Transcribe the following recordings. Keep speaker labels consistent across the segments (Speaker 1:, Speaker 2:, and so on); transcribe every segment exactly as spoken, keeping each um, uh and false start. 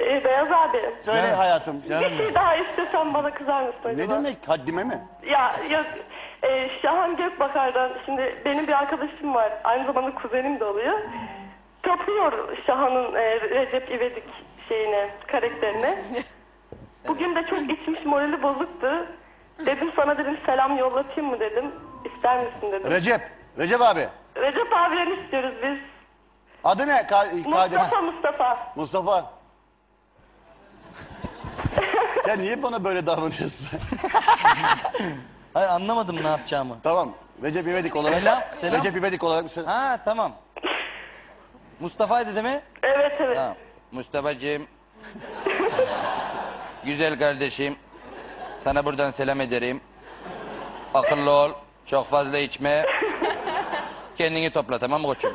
Speaker 1: Ee, Beyaz abi.
Speaker 2: Söyle
Speaker 3: Canım.
Speaker 2: hayatım.
Speaker 1: Bir şey daha istesem bana kızar mısın acaba?
Speaker 2: Ne demek? Haddime mi?
Speaker 1: Ya yok. E, Şahan Gökbakar'dan şimdi benim bir arkadaşım var. Aynı zamanda kuzenim de oluyor. Tapıyor Şahan'ın e, Recep İvedik şeyine, karakterine. Bugün de çok içmiş, morali bozuktu. Dedim sana dedim selam yollatayım mı dedim. İster misin dedim.
Speaker 2: Recep. Recep abi.
Speaker 1: Recep abiden istiyoruz biz.
Speaker 2: Adı ne? Ka Kadir.
Speaker 1: Mustafa Mustafa.
Speaker 2: Mustafa. Ya niye bana böyle davranıyorsun?
Speaker 3: Hayır, anlamadım ne yapacağımı.
Speaker 2: Tamam. Recep İvedik olarak.
Speaker 3: Selam, selam.
Speaker 2: Recep İvedik olarak bir selam.
Speaker 3: Ha tamam. Mustafa'ydı değil mi?
Speaker 1: Evet evet.
Speaker 3: Tamam. Mustafa'cığım. Güzel kardeşim. Sana buradan selam ederim. Akıllı ol. Çok fazla içme. Kendini topla, tamam mı koçum?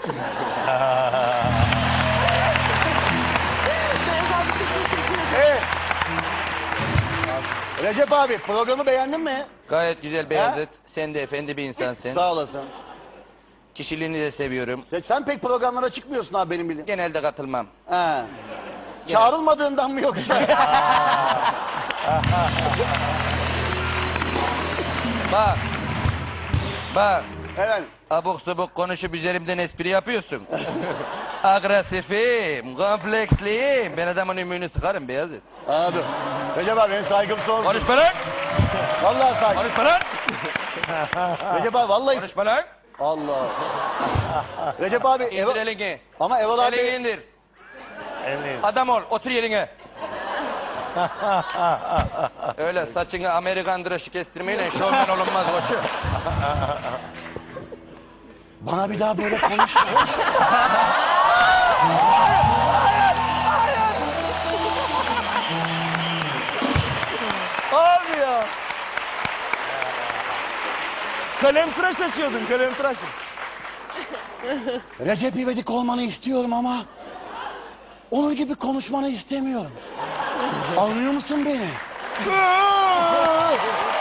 Speaker 2: Evet. Recep abi programı beğendin mi?
Speaker 3: Gayet güzel Beyazıt. Sen de efendi bir insansın.
Speaker 2: Sağ olasın.
Speaker 3: Kişiliğini de seviyorum.
Speaker 2: Ya sen pek programlara çıkmıyorsun abi benim bildiğim.
Speaker 3: Genelde katılmam.
Speaker 2: He. Çağrılmadığından mı yoksa?
Speaker 3: Bak. Bak.
Speaker 2: Evet.
Speaker 3: Abuk subuk konuşup üzerimden espri yapıyorsun. Agresifim, kompleksliyim. Ben adamın ümüğünü sıkarım Beyazıt.
Speaker 2: Anladım. Recep abi benim saygım sonsuz.
Speaker 3: Konuşma lan!
Speaker 2: Vallahi saygım.
Speaker 3: Konuşma lan!
Speaker 2: Recep abi vallahi.
Speaker 3: Konuşma lan!
Speaker 2: Allah. Recep abi.
Speaker 3: İndir
Speaker 2: Eva...
Speaker 3: elini.
Speaker 2: Ama Eval abi.
Speaker 3: Elini indir. Adam ol, otur yerine. Öyle saçını Amerikan dışı kestirmeyle şovmen olunmaz koçum.
Speaker 2: Bana bir daha böyle konuşma.
Speaker 4: Olmuyor. Kalem tıraş açıyordun, kalem tıraş.
Speaker 2: Recep İvedik olmanı istiyorum ama onun gibi konuşmanı istemiyorum. Anlıyor musun beni?